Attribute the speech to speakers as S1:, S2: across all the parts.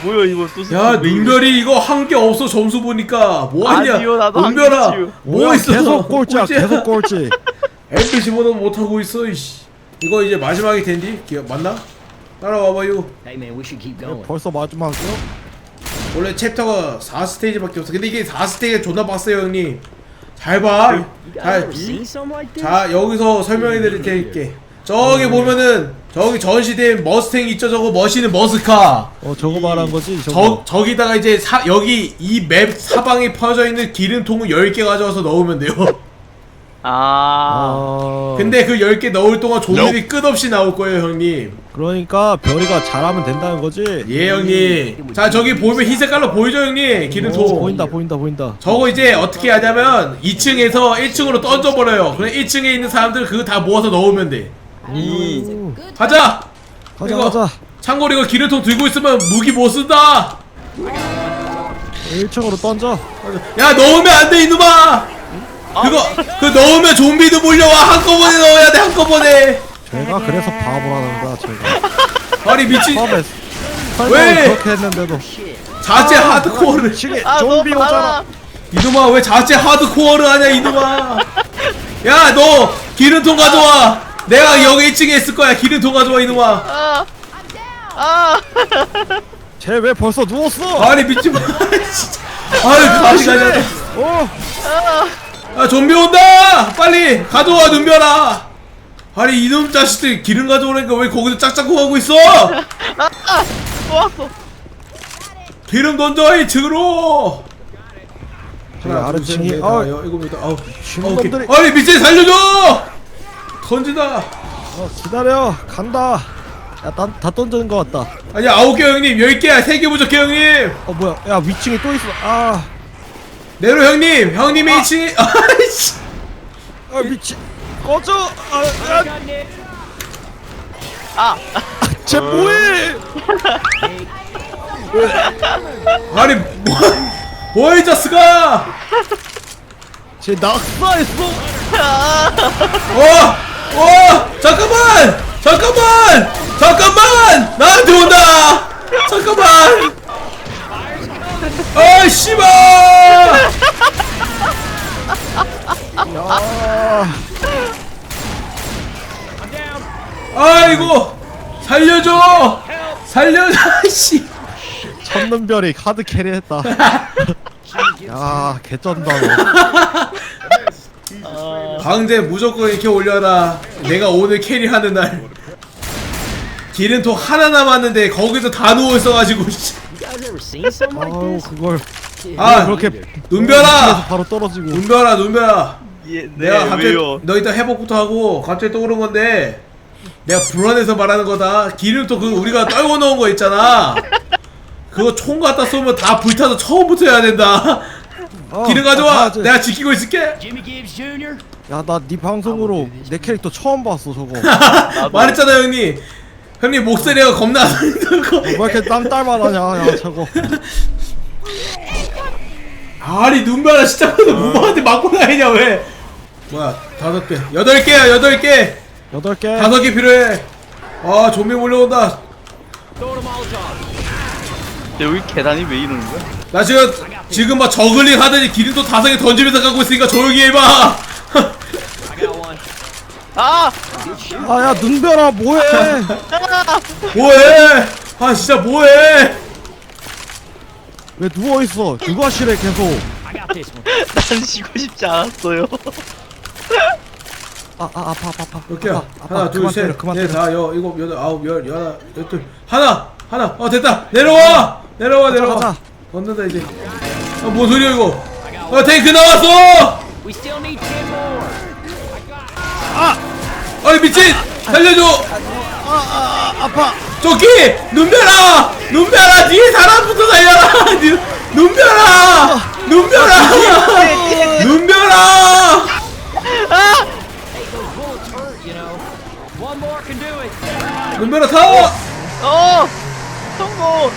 S1: 뭐야 이거 또
S2: 야 눈별이 이거 한 게 없어. 점수 보니까 뭐하냐.
S1: 아니요, 나도 한
S2: 눈별아
S1: 개지요.
S2: 뭐 있어.
S3: 계속 꼴찌야 계속 꼴찌.
S2: MP 집어넣어 못하고 있어. 이씨. 이거 이제 마지막이 텐디? 맞나? 따라와봐요.
S4: Hey man, we should keep going.
S3: 벌써 마지막이요?
S2: 원래 챕터가 4스테이지밖에 없어. 근데 이게 4스테이지가 존나 빡세요 형님. 잘 봐.
S4: You guys
S2: 잘.
S4: ever seen something like this?
S2: 자 여기서 설명해 드릴 테니까 저기 보면은 저기 전시된 머스탱 있죠. 저거 멋있는 머스카.
S3: 저거 말한 거지 저거.
S2: 저기다가 이제 여기 이 맵 사방에 퍼져 있는 기름통을 10개 가져와서 넣으면 돼요. 근데 그 10개 넣을 동안 좀비들이 끝없이 나올 거예요 형님.
S3: 그러니까 별이가 잘하면 된다는 거지.
S2: 예 형님. 자 저기 보면 흰 색깔로 보이죠 형님? 기름통.
S3: 보인다.
S2: 저거 이제 어떻게 하냐면 2층에서 1층으로 던져버려요. 그럼 1층에 있는 사람들 그거 다 모아서 넣으면 돼. 가자!
S3: 가자.
S2: 참고로 이거 기름통 들고 있으면 무기 못 쓴다!
S3: 1층으로 던져.
S2: 야 넣으면 안 돼 이놈아! 그거 넣으면 좀비도 몰려와. 한꺼번에 넣어야 돼 한꺼번에.
S3: 제가 그래서 바보라는 거야 제가.
S2: 아니 미친.
S3: 처음에
S2: 왜?
S3: 그렇게 했는데도
S2: 자체 하드코어를.
S3: 시계 좀비 오잖아.
S2: 이놈아 왜 자체 하드코어를 하냐 이놈아. 야 너 기름통 가져와. 내가 여기 1층에 있을 거야. 기름통 가져와 이놈아.
S3: 쟤 왜 벌써 누웠어?
S2: 아니 미친. 진짜. 아유 가지 가자. 아 좀비 온다. 빨리 가져와 눈별아. 아니 이놈 자식들 기름 가져오라니까 왜 거기서 짝짝고 하고 있어?
S1: 또 왔어.
S2: 기름 던져 2층으로. 하나
S3: 아래층이
S2: 이겁니다. 아우
S3: 신놈들이.
S2: 아니 미친 살려줘. 던진다.
S3: 기다려 간다. 다 던지는 거 같다.
S2: 아니 9개 형님 10개야. 3개 부족해 형님.
S3: 뭐야 야 위층에 또 있어.
S2: 내려 형님. 형님이 2층에 아이씨.
S3: 미친 꺼져. 쟤 뭐해?
S2: 아니 뭐야 이 자스가.
S3: 쟤 낙사했어.
S2: 잠깐만 나한테 온다. 잠깐만. 아 씨발.
S3: 야.
S2: 아이고 살려줘. 씨.
S3: 첫눈별이 하드 캐리했다. 야 개쩐다 너.
S2: 강제 무조건 이렇게 올려라. 내가 오늘 캐리하는 날. 기름통 하나 남았는데 거기서 다 누워 있어가지고.
S4: You guys ever seen something like
S3: 아우
S4: this?
S3: 그걸
S2: 아
S3: 그렇게
S2: 눈별아.
S3: 바로 떨어지고.
S2: 눈별아.
S1: 예,
S2: 내가 갑자기
S1: 왜요?
S2: 너 이따 회복부터 하고 갑자기 떠오른 건데 내가 불안해서 말하는 거다. 기름통 그 우리가 떨궈 놓은 거 있잖아. 그거 총 갖다 쏘면 다 불타서 처음부터 해야 된다. 기름 가져와. 내가 지키고 있을게.
S4: Jimmy Gibbs Jr.
S3: 야나 네 방송으로 내 캐릭터 처음 봤어 저거.
S2: 말했잖아 형님. 형님 목소리가 겁나 안 들고.
S3: 왜 이렇게 땀딸만하냐 야 저거.
S2: 아니 눈별아 시작부터 무모한테 맞고 다니냐 왜? 뭐야 5개 8개야 8개
S3: 8개.
S2: 5개 필요해. 아 좀비 몰려온다.
S1: 여기 계단이 왜 이러는 거야?
S2: 나 지금 막 저글링 하더니 기름도 5개 던지면서 가고 있으니까 조용히 해봐.
S3: 아야 눈별아 뭐해?
S2: 뭐해? 아 진짜 뭐해?
S3: 왜 누워 있어? 육아실에 계속.
S4: I got this one.
S1: 난 쉬고 싶지 않았어요.
S3: 아파.
S2: 몇 개야? 하나
S3: 그만 때려, 그만 때려.
S2: 4, 6, 7, 8, 9, 10, 11, 12 하나 됐다. 내려와.
S3: 가자.
S2: 건넌다 이제. 뭔 소리야 이거? 탱크 나왔어.
S4: We still need 10 more.
S2: 아니 미친. 살려줘.
S3: 아파.
S2: 저기 눈별아 뒤에 사람부터 살려라. 눈별아.
S4: Hey, those bullets hurt, you know. One more can do it.
S2: 눈별아 타.
S1: 성공.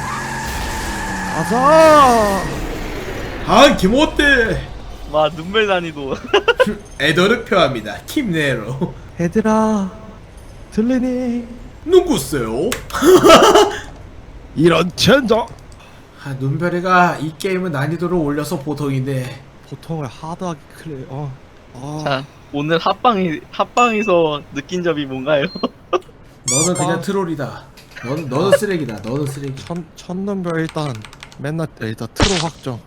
S3: 가자.
S2: 아 기못돼.
S1: 와 눈물 난이도.
S2: 에더를 표합니다. 킴네로.
S3: 얘들아 들리니?
S2: 누구세요?
S3: 이런 젠장.
S2: 아, 눈별이가 이 게임은 난이도를 올려서 보통인데
S3: 보통을 하드하게 클레.
S1: 자, 오늘 합방에서 느낀 점이 뭔가요?
S2: 너는 그냥 트롤이다. 너는 쓰레기다. 너는 쓰레기.
S3: 첫눈별 일단 맨날 일단 트로 확정.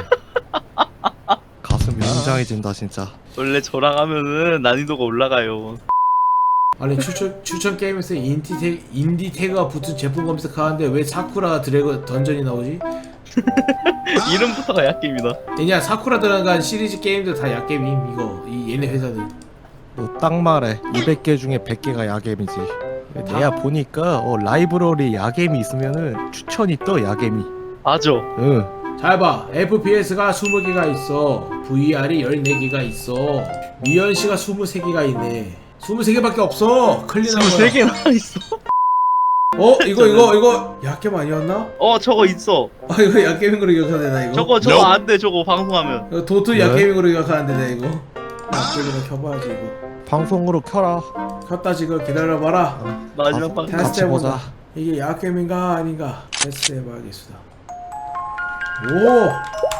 S3: 가슴이 웅장해진다 진짜.
S1: 원래 저랑 하면은 난이도가 올라가요.
S2: 아니 추천 게임에서 인디 태그가 붙은 제품 검색하는데 왜 사쿠라 드래곤 던전이 나오지?
S1: 이름부터가 약게임이다.
S2: 그냥 사쿠라 들어간 시리즈 게임들 다 약게임임 이거 이 얘네 회사들.
S3: 너 딱 말해. 200개 중에 100개가 야겜이지. 내가 보니까 라이브러리 야겜이 있으면은 추천이 떠 야겜이.
S1: 맞아.
S3: 응.
S2: 잘 봐. FPS가 20개가 있어. VR이 14개가 있어. 미연씨가 23개가 있네. 23개밖에 없어. 클린한 거야.
S1: 23개나 있어.
S2: 이거 약겜 아니었나?
S1: 저거 있어.
S2: 이거 약겜인 걸로 기억하네 나 이거.
S1: 저거 안 돼. 저거 방송하면.
S2: 이거 도트
S3: 왜?
S2: 약겜인 걸로 기억하는데 나 이거. 약겜이나 켜봐야지 이거.
S3: 방송으로 켜라.
S2: 켰다 지금 기다려봐라.
S1: 마지막 방.
S2: 테스트
S3: 같이
S2: 해보자.
S3: 보자.
S2: 이게 약겜인가 아닌가 테스트 해봐야겠습니다. 오!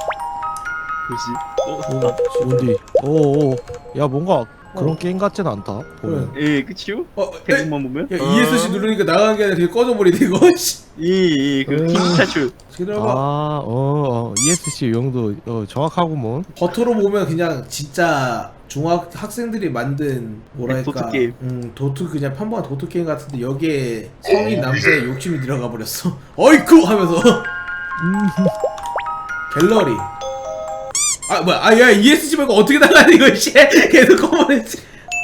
S1: 뭐지?
S3: 어디? 오오. 야 뭔가 그런 게임 같진 않다. 보면.
S1: 예, 그치요?
S2: 야,
S1: 대목만 보면?
S2: ESC 누르니까 나가는 게 아니라 그냥 꺼져버리네 이거. 씨.
S1: 그 킹차출.
S2: 기다려봐.
S3: ESC 용도 정확하구먼.
S2: 겉으로 보면 그냥 진짜 학생들이 만든 뭐랄까
S1: 도트 게임.
S2: 도트 그냥 평범한 도트 게임 같은데 여기에 성인 남자의 욕심이 들어가 버렸어. 어이쿠 하면서 갤러리. 야 ESC 말고 어떻게 나가니 이거 씨. 계속 꺼버렸지.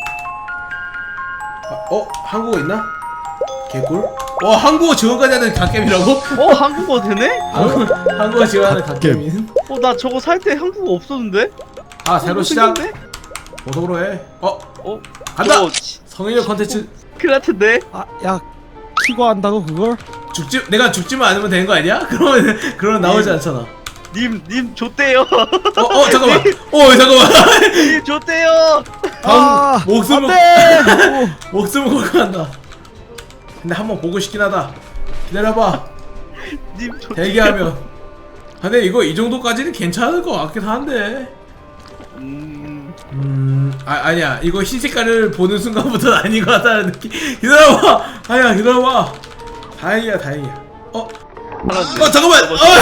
S2: 한국어 있나? 개꿀. 한국어 지원까지 하는 갓겜이라고?
S1: 한국어 되네?
S2: 한국어 지원하는 갓겜인.
S1: 나 저거 살 때 한국어 없었는데?
S2: 새로 시작.
S1: 생겼네?
S2: 보도로 해. 간다.
S1: 저거
S2: 성인용 컨텐츠.
S1: 큰일 같은데?
S3: 야 키고 한다고 그걸?
S2: 내가 죽지만 않으면 되는 거 아니야? 그러면 나오지 않잖아.
S1: 님 줬대요.
S2: 잠깐만. 잠깐만.
S1: 님 줬대요.
S2: 목숨을
S3: 안돼.
S2: 목숨을 걸고 한다. 근데 한번 보고 싶긴 하다. 기다려봐.
S1: 님 줬대요.
S2: 대기하면. 근데 이거 이 정도까지는 괜찮을 것 같긴 한데. 아니야. 이거 흰색깔을 보는 순간부터는 아닌 것 같다는 느낌. 기다려봐. 기다려봐. 다행이야. 잠깐만.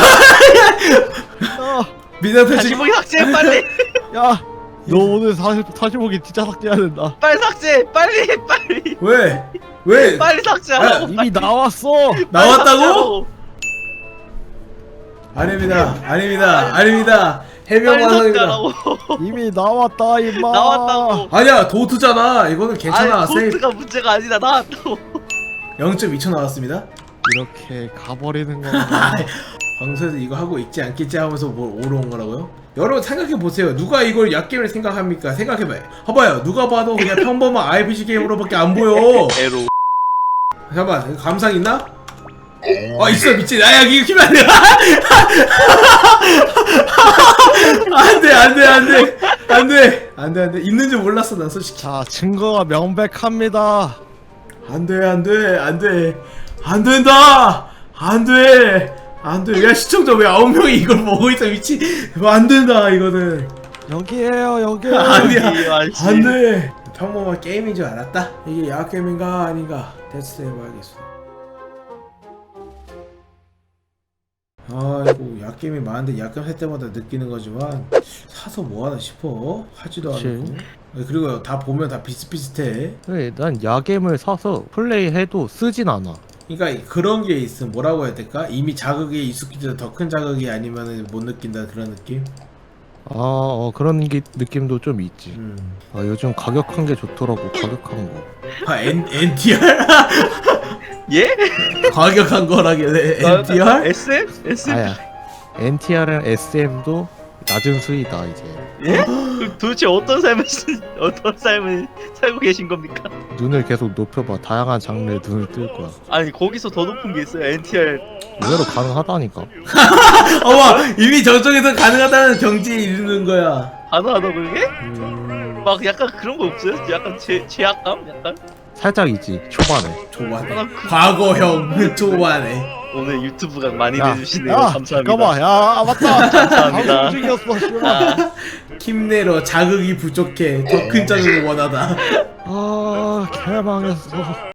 S2: 미나타
S1: 다시 보기 삭제 빨리.
S3: 야, 너 오늘 다시 보기 진짜 삭제해야 된다.
S1: 빨리 삭제 빨리.
S2: 왜?
S1: 빨리 삭제하라고.
S3: 이미 나왔어.
S2: 나왔다고? 아닙니다. 해명
S1: 빨리
S2: 과정입니다.
S1: 삭제하라고.
S3: 이미 나왔다 임마.
S1: 나왔다고.
S2: 아니야 도트잖아. 이거는 괜찮아. 세이프
S1: 도트가 문제가 아니다. 나왔다고.
S2: 0.2초 나왔습니다.
S3: 이렇게 가버리는 건가?
S2: 방송에서 이거 하고 있지 않겠지 하면서 뭘 오러온 거라고요? 여러분 생각해보세요. 누가 이걸 약게임을 생각합니까? 봐봐요. 누가 봐도 그냥 평범한 RPG 게임으로밖에 안 보여.
S1: 에로.
S2: 잠깐만 이거 감상 있나? 있어 미친. 이거 키면 안돼. 있는 줄 몰랐어 난 솔직히.
S3: 자, 증거가 명백합니다.
S2: 안돼. 안 돼. 야 시청자 왜 9명이 이걸 보고 있어 미친. 안 된다 이거는.
S3: 여기에요, 여기.
S2: 아니야.
S1: 아이씨.
S2: 안 돼. 평범한 게임인 줄 알았다. 이게 야게임인가 아닌가 테스트 해봐야겠어. 아이고 약게임이 많은데 약겜 할 때마다 느끼는 거지만 사서 뭐하나 싶어. 하지도
S3: 그치.
S2: 않고. 그리고 다 보면 다 비슷비슷해.
S3: 그래, 난 야겜을 사서 플레이해도 쓰진 않아.
S2: 그러니까 그런 게 있음. 뭐라고 해야 될까? 이미 자극이 익숙해져서 더 큰 자극이 아니면 못 느낀다 그런 느낌?
S3: 그런 느낌도 좀 있지.
S2: 음.
S3: 요즘 가격한 게 좋더라고, 가격한 거.
S2: NTR?
S1: 예?
S2: 과격한 거라길래 NTR?
S1: SM?
S3: 아야, NTR은 SM도 낮은 수위다 이제.
S1: 예? 그럼 도대체 어떤 삶을 살고 계신 겁니까?
S3: 눈을 계속 높여봐. 다양한 장르의 눈을 뜰 거야.
S1: 아니 거기서 더 높은 게 있어요. NTR.
S3: 의외로 가능하다니까.
S2: 어머 이미 저쪽에서 가능하다는 경지에 이르는 거야.
S1: 가능하다 그게? 막 약간 그런 거 없어요? 약간 제약감? 약간?
S3: 살짝이지 초반에.
S2: 초반에 과거형 초반에
S1: 오늘 유튜브가 많이
S3: 야,
S1: 내주시네요.
S3: 야,
S1: 감사합니다.
S3: 잠깐만, 야, 맞다.
S1: 감사합니다.
S3: 방송 중이었어, 씨발.
S1: 아,
S2: 킴네로 자극이 부족해 더 큰 자극을 원하다
S3: 아, 개망했어.